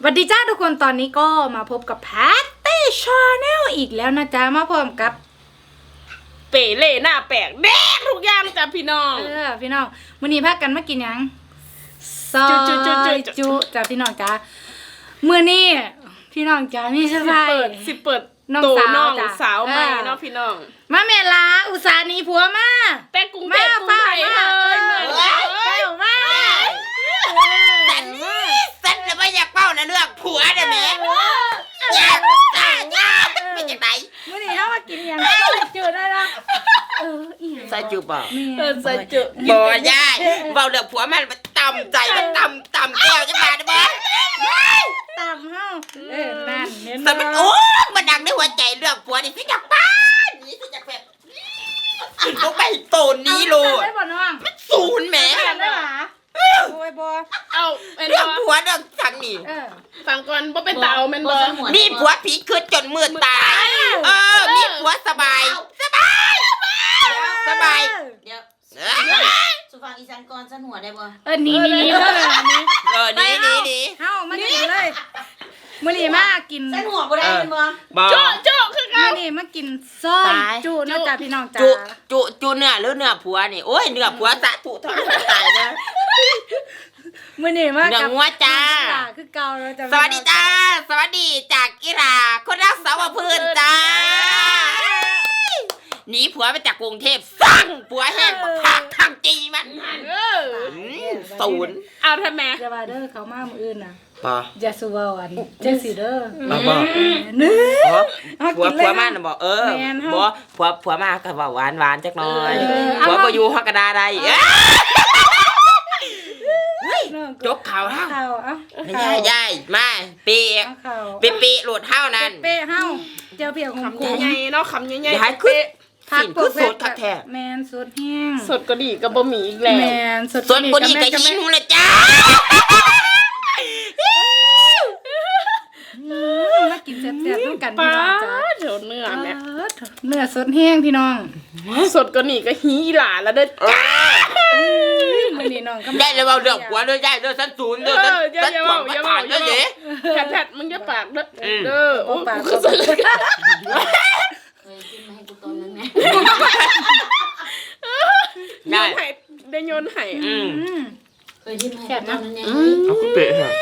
สวัสดีจ้าทุกคนตอนนี้ก็มาพบกับแพตตี้ชาแนลอีกแล้วนะจ๊ะมาพร้อมกับเป๋เล่หน้าแปลกแดงทุกอย่างจ้ะพี่น้องพี่น้องมื้อนี้พากันมากินหยังซอยจุจ้ะพี่น้องจ้ามื้อนี้พี่น้องจ้ามีเซอร์ไพรส์สิเปิดน้องสาวใหม่เนาะพี่น้องมาเมลาอุตส่าห์หนีผัวมาแต่กรุงเทพกรุงไทยเลยเหมือนมาสันจะไม่อยากเป้านะเรื่องผัวนะแม่อยากไม่จากไหนมื้อนี้เฮามากินหยังจืดได้ละใส่จุบ่ใส่จุบ่ยายเบาเรื่องผัวมันต่ำใจมันต่ำแก้วจะมาได้บ่ต่ำเฮานั่นเห็นบ่แต่มันโอ้มันดังในหัวใจเรื่องผัวนี่สิจากบ้านนี่สิจากแบบลงไปโตนนี้โลดมันศูนย์แหมได้หรอโอ้ยบ่เอาเรื่องผัวเรื่องทางนี่ฟังก่อนบ่เป็นเตาแม่นบ่มีผัวผีคืนจนมืดตายมีผัวสบายเดี๋ยวสุฟังอีสานก่อนสันหัวได้บ่นี่นี่เฮามากินเลยมื้อนี้มากินสันหัวบ่ได้เป็นบ่โจ๊ะคือกันมื้อนี้มากินส้มจุนะจ๊ะพี่น้องจ๋าจุเนื้อหรือเนื้อผัวนี่โอ้ยเนื้อผัวสะถุทอดตายนะมื้อนี้มากับงัวจ้าคือเก่าแล้วจ้ะสวัสดีจ้าสวัสดีจากอิราคนรักสาวพื้นจ้าหนีผัวไปจากกรุงเทพสั่งผัวแห้งผักทางจีมันศูนย์เอาทำไมจะมาเด้อเขามามื้ออื่นน่ะป่ะอย่าสู้ว่าอันจังสิเด้อบ่ผัวมาน่ะบ่บ่ผัวมาก็ว่าหวานจักหน่อยผัวบ่อยู่ฮอกกระดาได้จกข่าวเฮายายมาปีโหลดเฮานั่นเป๊ะเฮาเจ้าเปียกของกูใหญ่เนาะคำใหญ่ๆเป๊ะสินคือสดคักแท้แม่นสดแห้งสดก็ดีก็บ่มีอีกแล้วแม่นสดบ่ดีก็หิวละจ้ามากินแซ่บๆด้วยกันพี่น้องจ้าเดี๋ยวเนื้อแม่เนื้อสดแห้งพี่น้องสดก็นี่ก็หีหลาแล้วเด้อจ้ามื้อนี้น้องก็ได้แล้วเอาเรื่องผัวเด้อยายเด้อฉันศูนย์เด้อฉันความประทานเด้อเด้แพทมึงอย่าปากเด้อโอ้ปากเคยกินมาให้กูตอนนั้นแม่ได้โยนให้เคยกินมาให้กูตอนนั้นไงเอาคุณเป๊ะฮะ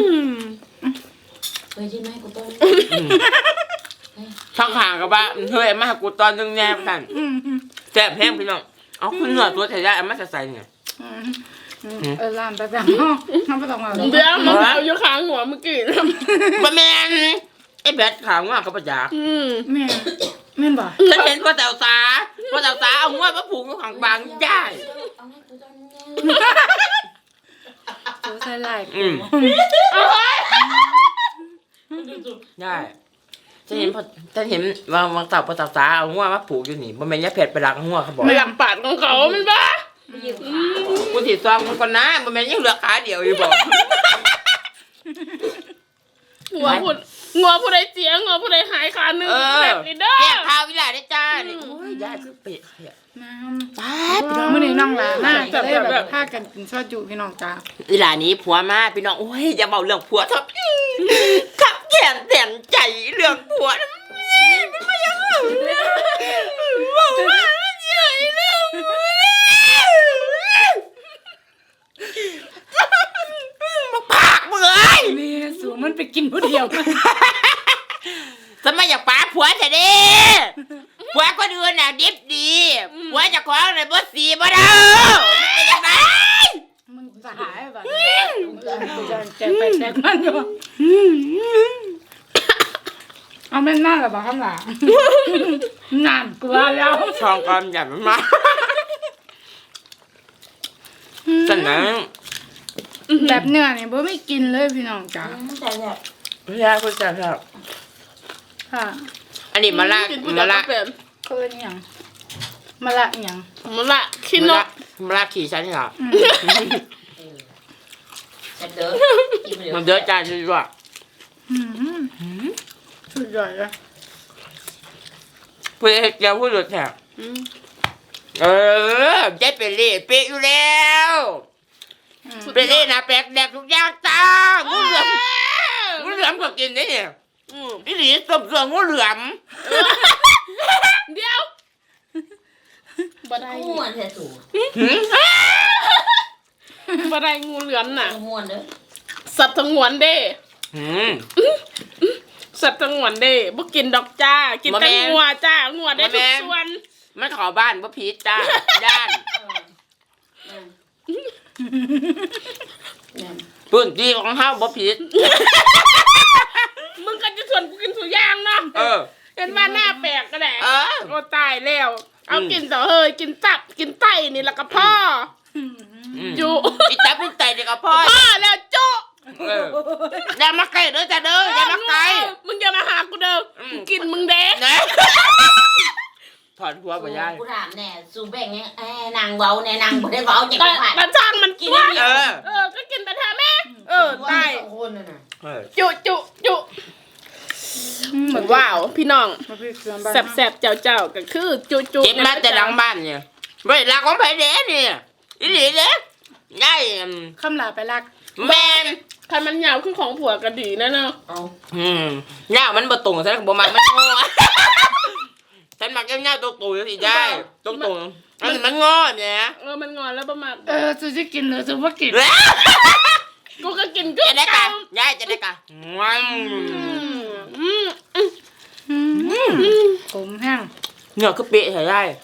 เคยกินมาให้กูตอนช่างห่างกับบ้านเฮ้ยมากูตอนนึงแนบกันแซ่บแห้งพี่น้องเอาคุณเนื้อตัวใส่ได้เอามาใส่เนี่ยร้านประจำน้ำประจำเดี๋ยวมันเอาอยู่ข้างหัวเมื่อกี้บะแมนไอ้แบดขาวง่วงกับประจักษ์แม่นบ่ฉันเห็นพ่อแต๋วสาเอาง่วงมาผูกอยู่ข้างบางย่ายตัวใส่ลายได้ฉันเห็นวางเต่าพ่อแต๋วสาเอาง่วงมาผูกอยู่นี่บะแมนยาเผ็ดไปรักง่วงเขาบอกไม่หลับปาดของเขามันบ้ากูถีบซองมันก่อนนะบะแมนยังเหลือขาเดียวอยู่บอกงัวผู้ใดเสียงัวผู้ใดหายขาหนึ่งแบบนี้เด้อแก้ข้าววิลาได้จ้านี่โอ้ยยายคือเป็ดพี่น้องมื้อนี้น้องหลานน่าจะได้แบบพากันกินซอจุพี่น้องจ้าวิลานี้ผัวมาพี่น้องโอ้ยอย่าเบาเรื่องผัวทับขับแขนแสนใจเรื่องผัวมันไม่ยังบอกว่าเฉยเรื่องปากมึงเอ้ยนี่สูมันไปกินผู้เดียวทำไมอยากปาผัวเฉยดิผัวก็ดูน่ะดิบดีผัวจะคว้าอะไรบ่สีบ่เด้อเป็นยังไงมึงจะหายแบบแจกไปแจกมันอยู่เอาแม่น่าหรือเปล่าข้างหลังนานกลัวแล้วชองความใหญ่มากสนั่งแบบเนื้อเนี่ยบ่ไม่กินเลยพี่น้องจ้าพี่ยาคุณจ๋าครับค่ะอันนี้มะละเขาเรียกอย่างมะละอย่างมะละขี้นกมะละขี่ฉันเหรอมันเยอะจ้าช่วยสุดยอดเลยเพื่อเจ้าพูดหลุดแถบเจ๊เป็นเล่เป๊ะอยู่แล้วเป็นเล่นะแปลกแดกทุกอย่างจ้างูเหอมก็กินได้เนี่ยอืมอีหลีต้มเสืองูเหลือมเดี๋ยวบ่ได้ม่วนแท้สูบ่ได้งูเหลือมน่ะม่วนเด้อสัตว์สงวนเด้อืมสัตว์สงวนเด้บ่กินดอกจ้า กินแต่บ่แม่นงัวจ้างัวได้ทุบ่กแม่นส่วนไม่ขอบ้านบ่พีชจ้าย่านแม่นพื้นที่ของเฮาบ่พีชมึงก็จะชวนกูกินสุย่างเนาะเออเห็นว่าหน้าแปลกก็ได้เออโอ้ตายแล้ว เอากินต่อเฮ้ยกินตับกินไตนี่แล้วก็พ่อจุอีจับเป็นไตเด็กกับพ่อพ่อแล้วจุเอออย่ามาใกล้เด้อจ้าเด้ออย่ามาใกล้มึงอย่ามาหากูเด้ออมกินมึงเด้นะถอดหัวบ่ยายกูถามแน่สูแบ่งเนี่ยนางเว้าแน่นางบ่ได้เว้าจังแต่ได๋แต่ช่างมันกินเออก็กินแต่แท้แม่ตายสองคนน่ะนะเออจุว้าวพี่น้องมาพี่เกลือบ้านแสบๆเจ้าก็คือจุเก็บมาแต่หลังบ้านเนี่ยเว้ยรักของไผเด้เนี่ยอีหลีเด้ยายคำลาไปรักแม่นคันมันยาวขึ้นของผัวก็ดีนะเนาะเอายาวมันบ่ตรงฉันก็บ่มักมันงอฉันมักยาวๆตรงๆจังซี่ได้ตรงๆอันนี้มันงอเนี่ยมันงอนแล้วประมาณซูจะกินหรือซูว่ากินกูก็กินจะได้กะยายจะได้กะผมแห้งเนื้อคือเป๊ะใช่ยาย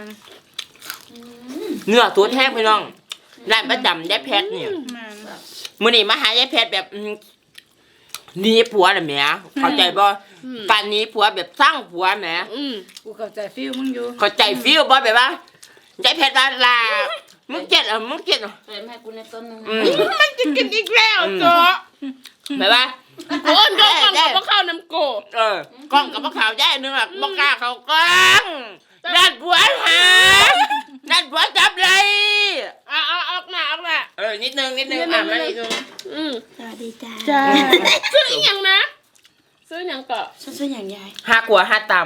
เนื้อตัวแห้งพี่น้องร้านประจำยายแพทย์เนี่ยมื้อนี้มาหายายแพทย์แบบหนีผัวน่ะแหมเข้าใจบ่การหนีผัวแบบสร้างผัวแหมกูเข้าใจฟิลมึงอยู่เข้าใจฟีลบ่แบบว่ายายแพทย์ว่าลามึงเจ็ดอ่ะมึงเจ็ดอ่ะเติมให้กูในต้นนึงมันจะกินอีกแล้วจ้ะแบบว่าโอนก็กล่องกับข้าวน้ำโกกล้องกับมะขาวยายนึงอ่ะบ่กล้าเข้ากล้องด้านผัวหาด้านผัวจับเลยเอาออกหน้านิดนึงมานิดนึงสวัสดีจ้าจ้าซื้ออีหยังนะซื้อหยังก็ช่วยอย่างยายห้าขัวห้าต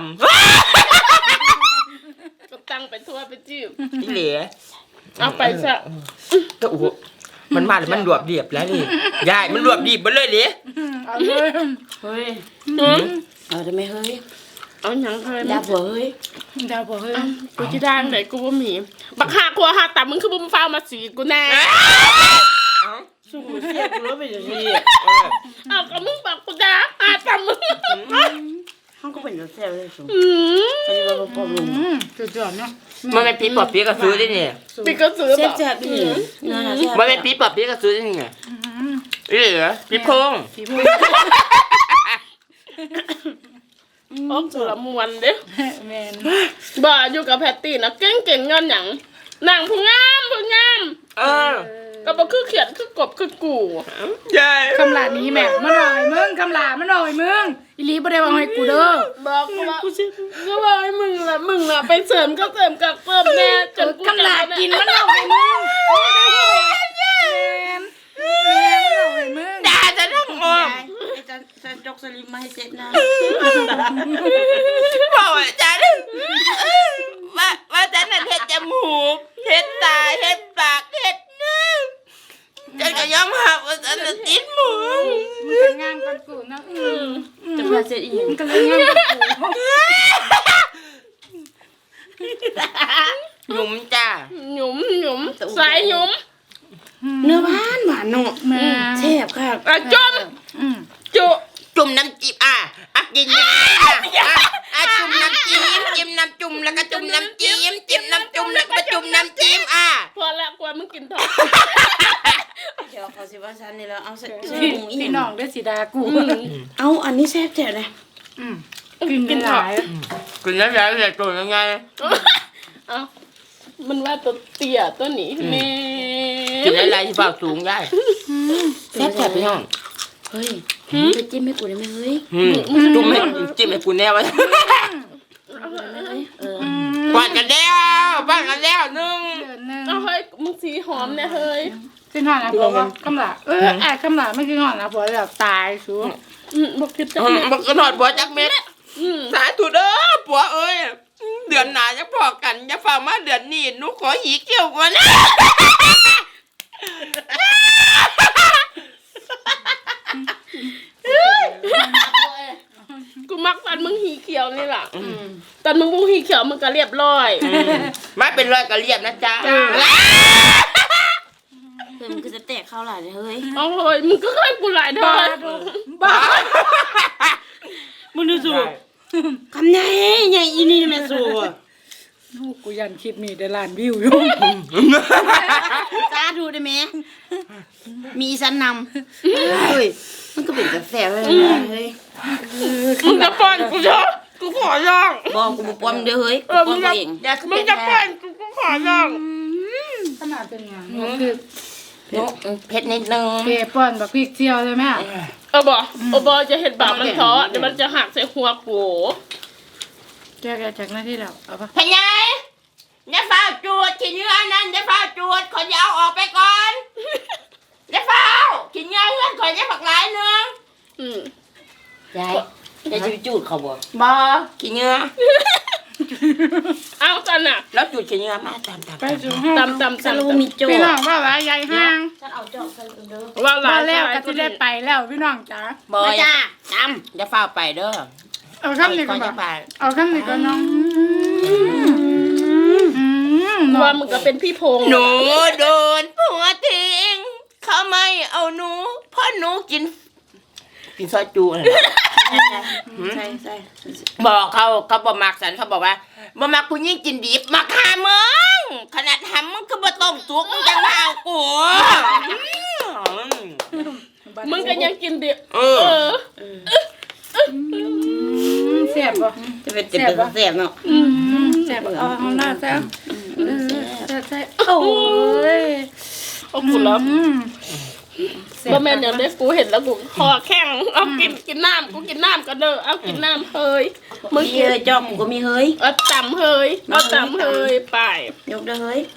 ก็ตั้งไปทั่วไปจิ้มำอีเหลียเอาไปซะก็โอ้โหมันมาแล้วมันรวบเรียบแล้วนี่ยายมันรวบดีบมาเลยเหลีเอาเลยเฮ้ยเอาได้ไหมเฮ้ยเอาหยังเคยดาผัวเฮ้ยดาวบอกเฮ้ยกูจะดังไหนกูบ่มีบักหาครัวหาตับมึงคือบ่มาฟ้ามาสีกูแน่สู้เสียกูรู้ไปจังซี่เอาก็มึงบอกกูด่าหาตับมึงเฮาก็เป็นเสียเลยสูอืมเขาจะบ่ปอบลุงจุดจอดเนาะมันเป็นปีปอบปีก็ซื้อได้เนี่ยปีก็ซื้อเสีแบยบแซ่บอีหลีนั่นน่ะแซ่บมันเป็นปีปอบปีก็ซื้อได้เนี่ยอีเหลียปีพงผีพูดโอ้สุรมวนเด้แมนบ่อยู่กับแพตตี้นะเก่งเงินหยังนางผู้งาม ก็บ่คือเขียนคือกบคือกูยายคำลานี้แม่มาหน่อยมึงคำลามาหน่อยมึงอีลีบ่ได้บอกให้กูเด้อบอกกูว่าก็บอกให้มึงล่ะไปเสริมก็เสริมกับเพิ่มแน่จนกูคำลากินมาหน่อยมึงแมนมาหน่อยมึงด่าจะต้องอมไอ้จะจกสลิมมาให้เสร็จนะบอกว่าจ้าว่าฉันน่ะเฮ็ดจมูกเฮ็ดตาเฮ็ดปากเฮ็ดน้ำฉันก็ยอมรับว่าฉันน่ะติดหมูมึงก็งามกันกูนะจะมาเสร็จอีหยังมึงก็เลยงามกันกูหนุ่มจ้าหยุมสายหยุมเนื้อหวานหวานเนาะแม่แซ่บค่ะจมจุจุ่มน้ำจิ้มกินจุ่มน้ำจิ้มจิ้มน้ำจุ่มแล้วก็จุ่มน้ำจิ้มจิ้มน้ำจุ่มแล้วก็มาจุ่มน้ำจิ้มพอละกว่ามึงกินทอดเดี๋ยวเขาสิว่าฉันนี่แล้วเอาใส่พี่น้องได้สีดากูเอาอันนี้แซ่บแจ๋วเลยกินหลายกินแล้วแล้วจะตัวยังไงเอามันว่าตัวเตี้ยตัวนี้แม่กินอะไรที่ปากสูงได้แซ่บๆพี่น้องเฮ้ยไปจิ้มให้กูได้ไหมเฮ้ยจุ่มให้จิ้มให้กูแน่วะปาดกันแล้วนึงเดือนนึงเอาเฮ้ยมึงสีหอมเนี่ยเฮ้ยกินหอนนะผัวว่าคำลาคำลาไม่กินหอนนะผัวแบบตายสูบอกคิดจะมันก็นอดบัวจักเม็ดสาธุเด้อผัวเอ้ยเดือนหน้าจะพอกันอย่าฝ่ามาเดือนนี้หนูขอหีเกี่ยวก่อนนะยวนี่ล่ะตอนมึงบูฮีเขียวมึงก็เรียบร้อยไม่เป็นรอยกระเรียบนะจ๊ะเฮ้ยมันคือจะแตกเข้าหลายเลยเฮ้ยเอาเฮ้ยมึงก็เคยกูหลายเด้อบ้ามึงดูสูคำไหนใหญ่อีนี่แม่สูกูยันคลิปนี้ได้ล้านวิวอยู่สาธุได้ไหมมีอีสันนำเฮ้ยมันก็เป็นกาแฟเลยเฮ้ยมึงจะป้อนกูเถอะกูขอร้องบอกกูบอกปอมเด้อเฮ้ยมึปอง มจะเองอย่าขึ้นมึไปงจะป้อนกูขอร้องขนาดเป็นไงคือเผ็ดนิดนึงเปป้อนแบบพริกเจียวเลยแม่บอจะเห็นบาปมันท้อเดี๋ยวมันจะหักใส่หัวกูแกจากหน้าที่แล้วเอาปะพญายอย่าฝ้าจูดขี้เนื้อนั่นอย่าฝ้าจูดขอจะเอาออกไปก่อนอย่าฝ้าขี้เนื้อเพื่อนขอจะผักหลายเนื้อยายยายจูดเขาบ่บอขี้เนื้อเอาจันน่ะแล้วจูดขี้เนื้อมาตามไปสู่ห้องตำสรุปมีโจพี่น้องว่าว่าใหญ่ห้างฉันเอาจอกใส่เด้อว่าหลามาย แล้วก็จะได้ไปแล้วพี่น้องจ๋าบอมาจ้าจอย่าฝ้าไปเด้อเอาข้ามนี้ก่อนอย่าบ่ไปเอาข้ามนี้ก่อนน้องว่ามึงก็เป็นพี่พงษ์หนูโดนผัวทิ้งเขาไม่เอาหนูเพราะหนูกินซอยจูอะไรใช่ใช่บอกเขาบอกมักสันเขาบอกว่าบ่มักผู้หญิงกินดิบมาฆ่ามึงขนาดทำมึงก็บ่ต้มสุกมึงจะมาเอากูมึงก็ยังกินดิเออเสียบบ่จะเป็นเสียบเนาะเสียบเอาหน้าแซ่บแซ่บโอ้ยเอากูแล้วบ่แม่นอย่างเด็กกูเห็นแล้วกูคอแข็งเอากินน้ำกูกินน้ำก็เด้อเอากินน้ำเฮ้ยมึงมีเฮ้ยจอกกูก็มีเฮ้ยเอาตำเฮ้ยเอาตำเฮ้ยไปยกเด้อเฮ้ย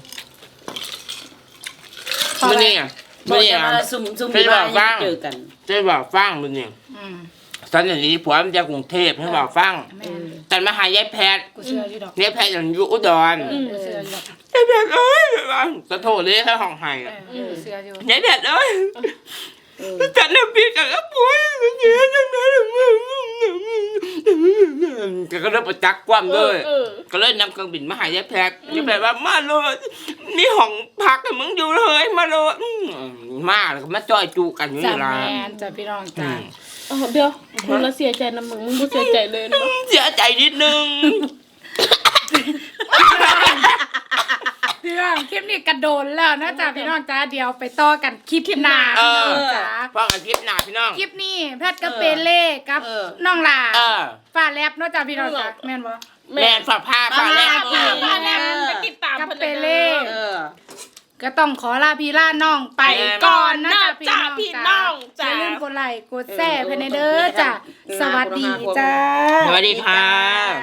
มันนี่อ่ะบอกจะมาซุ่มที่บ้านเจอกันจะบอกฟังมันนี่ตอนนี้ผัวมันจะกรุงเทพให้บอกฟังแต่มาหายายแพทย์กูเชื่ออยู่ดอกยายแพทย์อยู่อุดรกูเชื่ออยู่ดอกยายแพทย์เอ้ยจะโทษเลยแค่ห้องไห้กูเชื่ออยู่ยายแพทย์เอ้ยฉันน่ะพี่กับผัวเยอะจังเลยก็เริ่มประจักษ์ความเลยก็เลยนำเครื่องบินมาหายายแพทย์ยายแพทย์ว่ามาเลยมีห้องพักให้มึงอยู่เลยมาเลยมาแล้วก็มาจ่อยจูกันอยู่จ้านี่ล่ะแมนจ้าพี่น้องจ้าเดี๋ยวมึงละเสียใจนะมึงบ่เสียใจเลยนะเสียใจนิดนึงพี่น้องคลิปนี้กระโดนแล้วนะจ้าพี่น้องจ้าเดี๋ยวไปต่อกันคลิปหน้าพี่น้องจ้าฟังกันคลิปหน้าพี่น้องคลิปนี้แพทย์กับเปเล่กับน้องลาเออฟ้าแลบเนาะจ้าพี่น้องจ้าแม่นบ่แม่นฝากผ้าฝากแรกมาแล้วไปติดตามกับเพิ่นเปเด้เล่อก็ต้องขอลาพี่ลาน้องไปก่อนนะจ้าพี่น้องอย่าจ้าลืมกดไลค์กดแชร์ภายในเด้อจ้าสวัสดีจ้าสวัสดีค่ะ